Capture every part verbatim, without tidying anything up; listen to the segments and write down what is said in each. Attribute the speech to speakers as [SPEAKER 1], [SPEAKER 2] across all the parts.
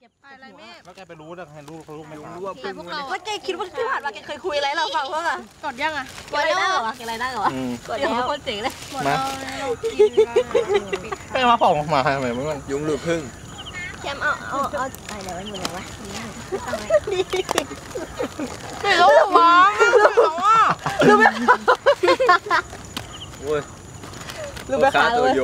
[SPEAKER 1] จ็บอะไรแม่
[SPEAKER 2] แล้วแกไปรู้ได้ไงรู้เขารู้ไม่รู้
[SPEAKER 1] ว่าพวกเรา
[SPEAKER 3] ว่าแกคิดว่าที่ผ่านมาแกเคยคุยอะไรเราฟังเพื่อ
[SPEAKER 1] กดยังอ่ะ
[SPEAKER 3] กดอะไรได้เหรอแกอะไรได้เหรอกดแล้วคนเจ๋งเลย
[SPEAKER 1] มา
[SPEAKER 2] ไปมาผ่องมาทำไมมัน
[SPEAKER 4] ยุงหรือพึ่ง
[SPEAKER 3] แคมเอาเอาเอาอะไรไว้หมดเลยวะ
[SPEAKER 1] ไม่รู้มาไม่รู้ว่า
[SPEAKER 3] รู้ไหม
[SPEAKER 4] โอ้ย
[SPEAKER 3] รู้ไหมคะเลย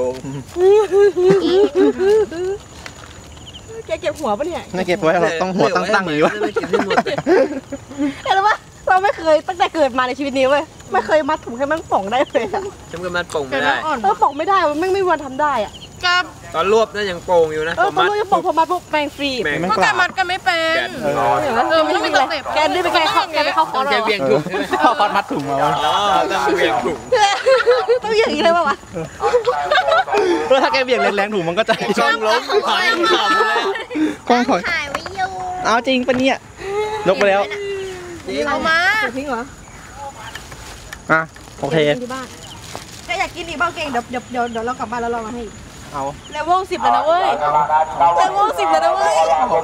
[SPEAKER 3] แกเก็บหัวปะเนี่ย
[SPEAKER 2] ไม่เก็บไว้เราต้องหัวตั้งๆอย่างนี้วะ
[SPEAKER 3] เห็นไหมเราไม่เคยตั้งแต่เกิดมาในชีวิตนี้เว้ยไม่เคยมัดถุงให้มันป่องได้เลยอะ
[SPEAKER 4] ฉันก็มัดป่งไม่ได้
[SPEAKER 3] เออป่องไม่ได้มันไม่ไม่วันทำได้อ่ะ
[SPEAKER 1] กับ
[SPEAKER 4] ตอนรวบน่ายังโป่งอยู่นะ
[SPEAKER 3] เออตอนรวบยังป่องพอมัดปุ๊บแมงฟรี
[SPEAKER 1] เพราะแกมัดกันไม่เป็น
[SPEAKER 3] เออไม่ต้องมีตัวเต็บแกนี่เป็นแกเข้าแกไปเข้าคอร์ส
[SPEAKER 4] แกเบี่ยงถุง
[SPEAKER 2] เข้าคอร์สมัดถุงมา
[SPEAKER 4] ต้องเบี่ยงถุง
[SPEAKER 3] ต้องอย่างนี้เลยป่ะวะ
[SPEAKER 2] เพราะถ้าแกเบี่ยงแรงๆถุงมันก็จะ
[SPEAKER 4] ช่องล้มหายขำเลย
[SPEAKER 2] กล้องถอย
[SPEAKER 1] ถ่ายไว้อยู่
[SPEAKER 2] เอาจริงปะเนี่ยยกไปแล้ว
[SPEAKER 1] เอามา
[SPEAKER 3] ทิ้งเหรอ
[SPEAKER 2] อ่ะโอเค
[SPEAKER 3] แกอยากกินอีกบ้างเก่งเดี๋ยวเดี๋ยวเดี๋ยวเดี๋ยวเรากลับบ้านแล้วเรามาให้
[SPEAKER 2] เอา
[SPEAKER 3] เลเวลสิบเลยนะเว้ยเลเวลสิบเลยนะเว้ย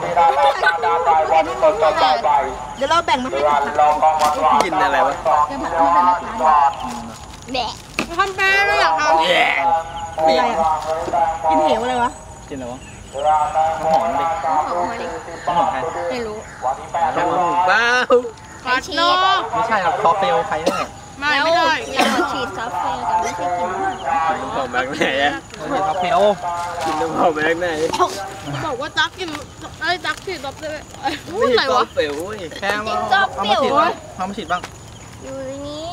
[SPEAKER 3] เดี๋ยวเราแบ่งมาให้
[SPEAKER 4] กินอะไรวะ
[SPEAKER 1] แดะทำแป้งเราอยากทำ
[SPEAKER 3] อะไรอ่ะกินเหวอะไรวะ
[SPEAKER 2] กินอะไรวะหอมดิ
[SPEAKER 1] หอมดิ
[SPEAKER 2] หอมใคร
[SPEAKER 1] ไม่รู้
[SPEAKER 4] บ้า
[SPEAKER 1] ผัดนก
[SPEAKER 2] ไม่ใช่ครับซอฟเฟลใครเนี่ย
[SPEAKER 1] ไม่ไม่ได้
[SPEAKER 3] เราฉีดซอฟเฟลแต่ไม่ใช่กิน
[SPEAKER 4] หอมแบบไหนอะ
[SPEAKER 2] ซอฟเฟล
[SPEAKER 4] กินน้ำหอมแบบไหน
[SPEAKER 1] บอกว่าตักกินไอ้ตักฉีดซอฟเฟลพูดอะไรวะ
[SPEAKER 4] ซอฟเฟล
[SPEAKER 2] แค่เอาเอามาฉีดบ้างเอามาฉีดบ้าง
[SPEAKER 3] อยู่นี่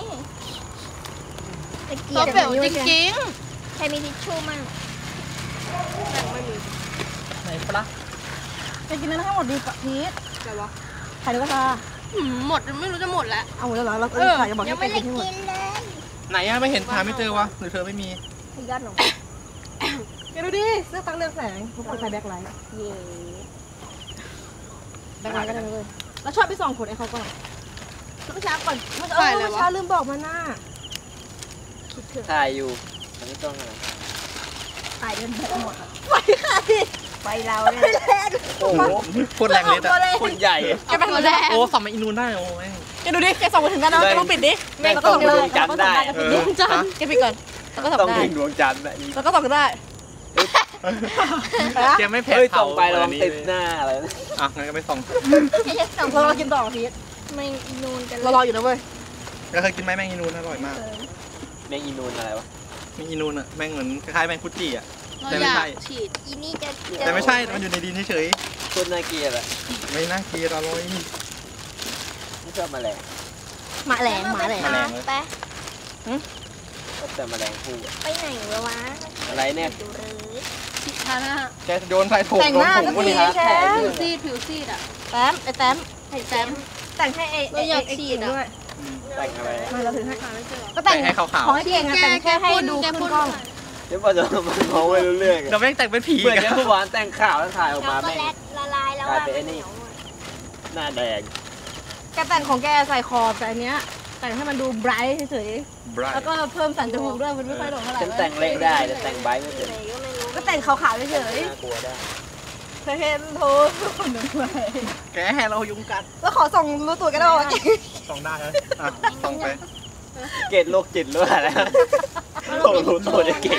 [SPEAKER 1] ซอฟเฟลจริง
[SPEAKER 3] ๆใครมีทิชชู่มั่ง
[SPEAKER 1] ไม่มี
[SPEAKER 2] ไหนปะ
[SPEAKER 3] จะกินนั้นให้หมดดีกว่าพีท
[SPEAKER 1] อะไรวะ
[SPEAKER 3] ไข่นกกระทา
[SPEAKER 1] หมดไม่รู้จะหมดแล้ว
[SPEAKER 3] เอาหมดแล้วเหรอเราเออจะบอกให้ไปกินให้หมด
[SPEAKER 2] ไหนอะไม่เห็นหาไม่เจอวะหรือเธอไม่มี
[SPEAKER 3] ยอดหนูแกดูดิเสื้อตั้งเรืองแสงทุกคนใส่แบ็คไลท์เย่แบ็คไลท์ก็ได้เลยแล้วชอบไปส่องขนไอ้เขาก่อนเมื่อเช้าก่อนเมื่อเช้าลืมบอกมาหน้า
[SPEAKER 4] ถ่ายอยู่ไม่ต้องอะไร
[SPEAKER 3] ถ่ายเดินแบบหมดไปค่ะไปเราเนี่ย
[SPEAKER 2] โอ้โหพูดแรงเลยแต่
[SPEAKER 4] พูดใหญ่
[SPEAKER 1] แกเป็นคนแรก
[SPEAKER 2] โอ้ส่องมาอินูนได้โอ้ย
[SPEAKER 3] แกดูดิแกส่องมาถึงด้านนั้นแกต้องปิดดิ
[SPEAKER 4] แม่ก็ส่องดวงจันทร์ได้
[SPEAKER 3] ดวงจันทร์แกปิดก่อนแล้วก็ส่องได้
[SPEAKER 4] ต้องถึงดวงจันทร์ได้
[SPEAKER 3] แล้วก็ส่องได้
[SPEAKER 2] แกไม่แพ้
[SPEAKER 4] เขาส่องไปลองติดหน้าอะไร
[SPEAKER 2] อ่ะงั้นก็ไม่ส่อง
[SPEAKER 3] ส่องเราเรากินต่อพีท
[SPEAKER 1] ไม่อินูนกัน
[SPEAKER 3] เรารออยู่นะเว้ย
[SPEAKER 2] ก็เคยกินไหมแมงอินูนอร่อยมาก
[SPEAKER 4] แมงอินูนอะไรวะ
[SPEAKER 2] แมงอินูนอะแมงเหมือนคล้ายๆแมงคุจิอะ
[SPEAKER 1] แต่ไม่ใช่ฉีดอีนี่จะ
[SPEAKER 2] แต่ไม่ใช่มันอยู่ในดินเฉย
[SPEAKER 4] ๆคนน่าเกลียดอะ
[SPEAKER 2] ไม่น่าเกลียดอร่อย
[SPEAKER 4] ไม่ชอบแมลง
[SPEAKER 3] หมาแหลงหมาแหลง
[SPEAKER 1] ไป
[SPEAKER 4] แต่แมลงภู่
[SPEAKER 1] ไปไหนวะ
[SPEAKER 4] อะไรเนี่ย
[SPEAKER 1] ฉีดทาหน้า
[SPEAKER 2] แกโยนใส่ถุง
[SPEAKER 3] แต่งหน้าก็ดีแชม
[SPEAKER 1] ผิวซีดผิวซีดอ่ะ
[SPEAKER 3] แต้มไอ้แต้ม
[SPEAKER 1] ไอ้แต้ม
[SPEAKER 3] แต่งให้ไอ้
[SPEAKER 1] ไอ้อยากฉีด
[SPEAKER 3] ด้วย
[SPEAKER 4] แต่งอะไร
[SPEAKER 3] มาเราถึงให้
[SPEAKER 2] ก็แต่งให้ขาวๆ
[SPEAKER 3] ของให้เก่งอะแต่งแค่ให้ดูขึ้นกล้อง
[SPEAKER 4] เดี๋ยวพอจะมันมองไม่รู้เรื่อง
[SPEAKER 2] เราแม่งแต่งเป็นผี
[SPEAKER 4] เหมือนแค่ผู้หวานแต่งข่าวแล้วถ่ายออกมาแม่ง
[SPEAKER 1] ละลายแล้ว
[SPEAKER 4] กลายเป็นไอ้นี่หน้าแดง
[SPEAKER 3] แกแต่งของแกใส่คอแต่อันเนี้ยแต่งให้มันดูไบรท์เฉยๆแล้วก็เพิ่มสันจมูกด้วยมันไม่ค่อยโดนเท่าไหร่
[SPEAKER 4] ฉันแต่งเละได้แต่แต่งไบรท์ไม่เป็น
[SPEAKER 3] ก็แต่งขาวๆเฉย
[SPEAKER 4] ๆกลัวได้
[SPEAKER 3] เธอเห็นโทษคนหนึ่งเลย
[SPEAKER 2] แกให้เรายุงกัด
[SPEAKER 3] แล้วขอส่งรู้ตัวกันได้ไหม
[SPEAKER 2] ส่งได้เลยอ่ะส่งไป
[SPEAKER 4] เกตโรคจิตหรือเปล่าแล้วโตรู้ตัวจะเก่ง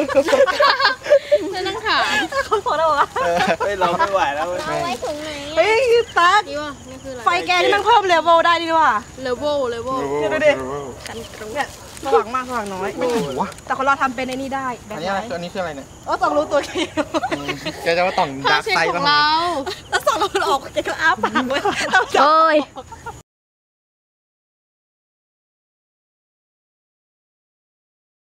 [SPEAKER 1] จะนั่งถาม
[SPEAKER 3] เขาบอกแล้วว่า
[SPEAKER 4] เฮ้ยเราไม่ไหวแล้ว
[SPEAKER 1] เอาไว้ถุงไหน
[SPEAKER 3] เฮ้ยตั๊กไฟแกนี่มันเพิ่มเลเวลได้ดีว่ะ
[SPEAKER 1] เลเวลเลเวล
[SPEAKER 3] เดี๋ยวดิกันตรงเนี่ยสว่างมากสว่างน้อย
[SPEAKER 2] ไม่ถึงวะ
[SPEAKER 3] แต่คนเราทำเป็นในนี้ได้
[SPEAKER 2] อันนี้อะไรอันนี้คืออะไรเนี่ย
[SPEAKER 3] เออต้องรู้ตัวเอง
[SPEAKER 2] แกจะว่าต่องดาร์กไซด์
[SPEAKER 1] ของเรา
[SPEAKER 3] แล้วสองเราออกแกก็อ้าปากไว้โอ้ย